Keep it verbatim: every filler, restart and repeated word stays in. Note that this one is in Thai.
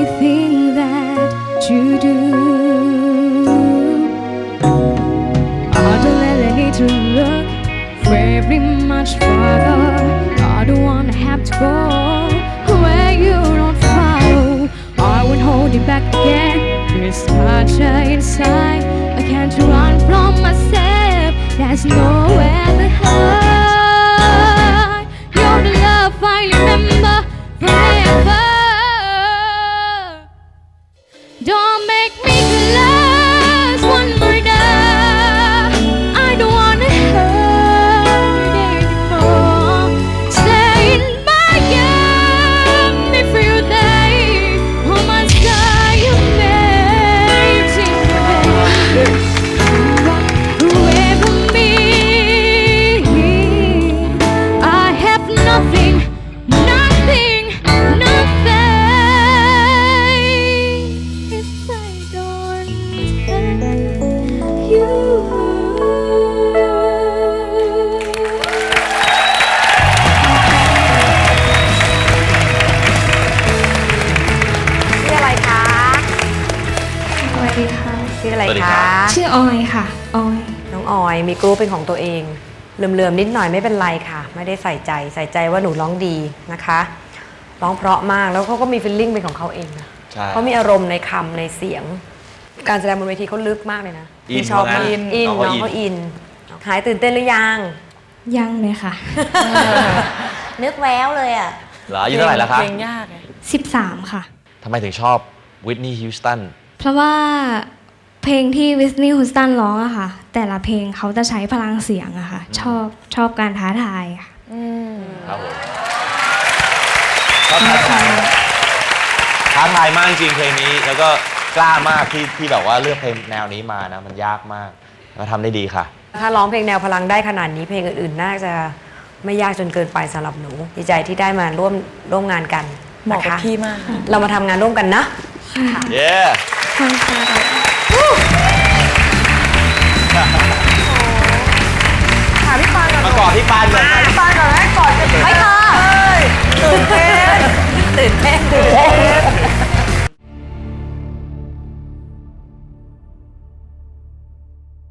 everything that you do. I don't really need to look very much further. I don't wanna have to go where you don't follow. I won't hold you back again. There's such a inside. I can't run from myself. There's nowhere to hide. You're the love I remember forever. Don't make me lose one more day. I don't wanna hurt anymore. Stay in my arms for your day. Oh my God, you're amazing. Away from me, I have nothing, nothing, nothing. If I don't tell you. ชื่ออะไรคะสวัสดีค่ะชื่ออะไรสวัสดีคคะรับชื่อออยค่ะ ออยน้องออยมีกรุ๊ปเป็นของตัวเองเหลื่อมๆนิดหน่อยไม่เป็นไรค่ะ ไม่ได้ใส่ใจใส่ใจว่าหนูร้องดีนะคะร้องเพราะมากแล้วเขาก็มีฟีลลิ่งเป็นของเขาเองนะใช่เขามีอารมณ์ในคำในเสียง การแสดงบนเวทีเขาลึกมากเลยนะอินพี่ชอบมากว่างั้นอินน้น้ออง งเขาเขาอิอินนหายตื่นเต้นหรือยังยังเลยค่ะนึกแววเลยอ่ะเหรออายุเท่าไหร่แล้วครับเพลงยากไงสิบสามค่ะทำไมถึงชอบวิทนีย์ฮิวสตันเพราะว่าเพลงที่วิสนีย์ฮูสตันร้องอะค่ะ แต่ละเพลงเขาจะใช้พลังเสียงอะค่ะ ชอบชอบการท้าทายค่ะครับผมชอบท้าทายท้าทายมากจริงเพลงนี้ แล้วก็กล้ามากที่ที่แบบว่าเลือกเพลงแนวนี้มานะ มันยากมากแล้วทำได้ดีค่ะถ้าร้องเพลงแนวพลังได้ขนาดนี้เพลงอื่นๆน่าจะไม่ยากจนเกินไปสำหรับหนูดีใจที่ได้มาร่วมร่วมงานกันเหมาะนะกับคะพี่มากเรามาทำงานร่วมกันนะเย้ขอบคุณค่ะ